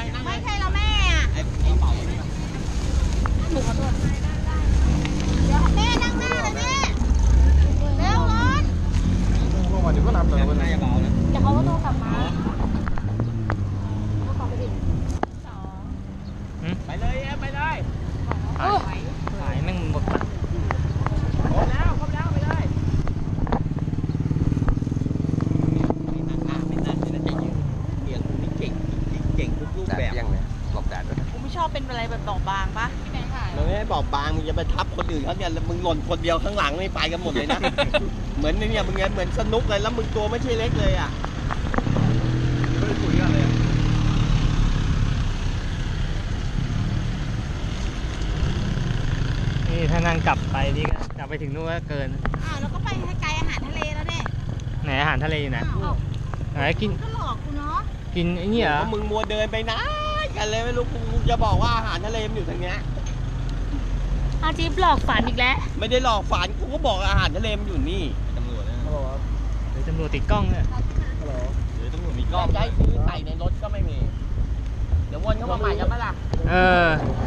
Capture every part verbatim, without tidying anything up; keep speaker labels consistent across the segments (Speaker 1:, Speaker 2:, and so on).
Speaker 1: ไม่ใช่เราแม่อะหนูขอโทษเดี๋ยวแม่นั่งหน้าเลยแม่เร็วร้อน
Speaker 2: ลงมาเดี๋ยวก็นับเลย
Speaker 3: น่าจะเบานะ
Speaker 1: เดี๋ยวเขาก็โทรกลับมาเขาขอไปดิสอง
Speaker 3: ไปเลยไปเลย
Speaker 1: โอ้
Speaker 4: ขายแม่งหมดละ
Speaker 3: ครบแล้วครบแล้วไปเลยไม่นั่งหน้าไม่นั่งไม่นั่งจะยืนเกียงคุณนี่เก่งเก่งทุกรูปแบบยังเลยหลบแดดด้วย
Speaker 1: กูไม่ชอบเป็นอะไรแบบดอกบางปะพี่แบงค์ถ่าย
Speaker 3: มึงไม่บอกบางมึงจะไปทับคนอื่นเขาเนี่ยแล้วมึงหล่นคนเดียวข้างหลังไม่ไปกันหมดเลยนะ เหมือนเนี่ยมึงเหมือนสนุกเลยแล้วมึงตัวไม่ใช่เล็กเลยอ่ะไม่ได้คุยกันเลย
Speaker 4: นี่ถ้านั่งกลับไปนี่ก็กลับไปถึงนู่นก็เกิน
Speaker 1: อ้าวแล้วก็ไปไกลอาหารทะเลแล้วเนี่ย
Speaker 4: ไหนอาหารทะเลอยู่ไหน
Speaker 1: อ้าว
Speaker 4: ไหนกิน
Speaker 1: ก็หลอกกูเนาะ
Speaker 4: กินไอ้นี่เหรอ
Speaker 3: มึงมัวเดินไปนะกันเลยไม่รู้กูจะบอกว่าอาหารทะเลมันอยู่ทางเนี้ย
Speaker 1: อาจิ๊บหลอกฝันอีกแล้ว
Speaker 3: ไม่ได้หลอกฝันกูก็บอกอาหารทะเลมันอยู่นี่ตำรวจนะ
Speaker 2: ฮัลโหลครับ
Speaker 4: เดี๋ยวตำรวจติดกล้องเนี่ย
Speaker 2: ฮัลโหล
Speaker 3: หรือตำรวจมีกล้องได้ซื้อใส่ในรถก็ไม่มีเดี๋ยววนเข้ามาใหม่กันปะล่ะ
Speaker 4: เออ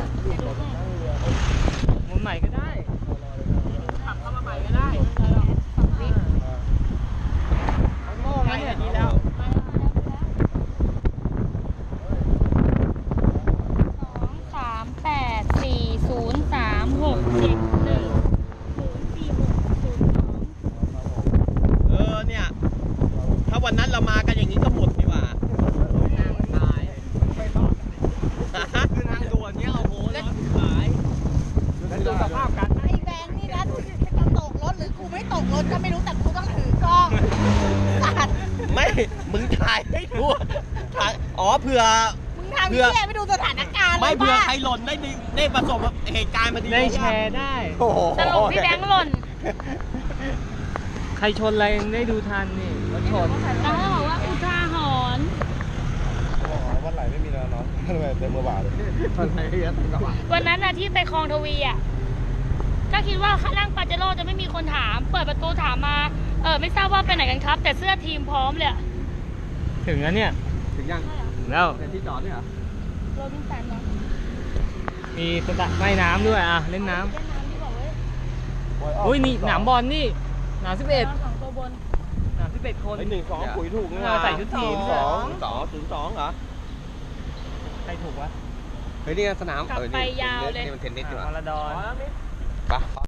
Speaker 4: มุมใหม่ก็ได้
Speaker 3: ขับเข้ามาใหม่ก็ได้โม่ไงอันนี้แล้ว
Speaker 1: สองสามแปดสี่ศูนย์สามหกเจ็ดหนึ่งศูนย์สี่หกศูนย์สอง
Speaker 3: เออเนี่ยถ้าวันนั้นเรามากันอย่างนี้ก็หมดดีกว่านั่งตายไม่รอดคือทางด่วนเนี้ยโอ้โหรถหายดูสภาพกัน
Speaker 1: ไอ้แบงค์นี่นะดูสิจะตกรถหรือกูไม่ตกรถก็ไม่รู้แต่กูต้องถือกล้องสัตว์
Speaker 3: ไม่มึงถ่ายให้ดูถ่ายอ๋อเผื่อ
Speaker 1: มึงทำเหี้ยไม่ดูสถานการณ์เลย
Speaker 3: ไม่เผื่อ
Speaker 1: บ้า
Speaker 3: ใครหล่นได้ดีได้ประสบเหตุการณ์มาดี
Speaker 4: ได้แชร์ได้
Speaker 3: โอ้โห
Speaker 1: สรุปพี่แบงค์หล่น
Speaker 4: ใครชนอะไรยังได้ดูทันนี่รถชน
Speaker 1: แล้วเขาบอกว่าอุทาหรณ์
Speaker 2: วันไหลไม่มีแล้วเนาะทำไมเต็มมือบาทเลย
Speaker 3: คนไหนเยอะกว่า
Speaker 1: วันนั้นน่ะที่ไปคลองทวีอ่ะก็คิดว่าข้างล่างปาเจโร่จะไม่มีคนถาม เปิดประตูถามมาเออไม่ทราบว่าไปไหนกันครับ แต่เสื้อทีมพร้อมเลยอะ
Speaker 4: ถึงแล้วเนี่ย
Speaker 3: ถึงยัง
Speaker 4: ถึงแล้ว
Speaker 3: เป็นที่จอดเนี่ยเหรอ
Speaker 1: โรบินสันเนาะ
Speaker 4: มีสระว่ายน้ำด้วยอ่ะเล่นน้
Speaker 1: เล่นน้ำดีกว่าเว้ย
Speaker 4: ำอุ้ยนี่หนามบอลนี่หนามสิบเอ็ด
Speaker 1: สองตัวบน
Speaker 4: หนามสิบเอ็ดคน
Speaker 3: ไอ้หนึ่งสองปุ๋ยถูกนี่
Speaker 4: เออใส่ชุดทีม
Speaker 3: สองสองศูนย์สองเหรอ
Speaker 4: ใครถูกวะ
Speaker 3: เฮ้ยนี่สนาม
Speaker 1: กลับไปยาวเลย
Speaker 3: นี่มันเทนนิสดีกว่า
Speaker 4: พาราดอน
Speaker 3: ไป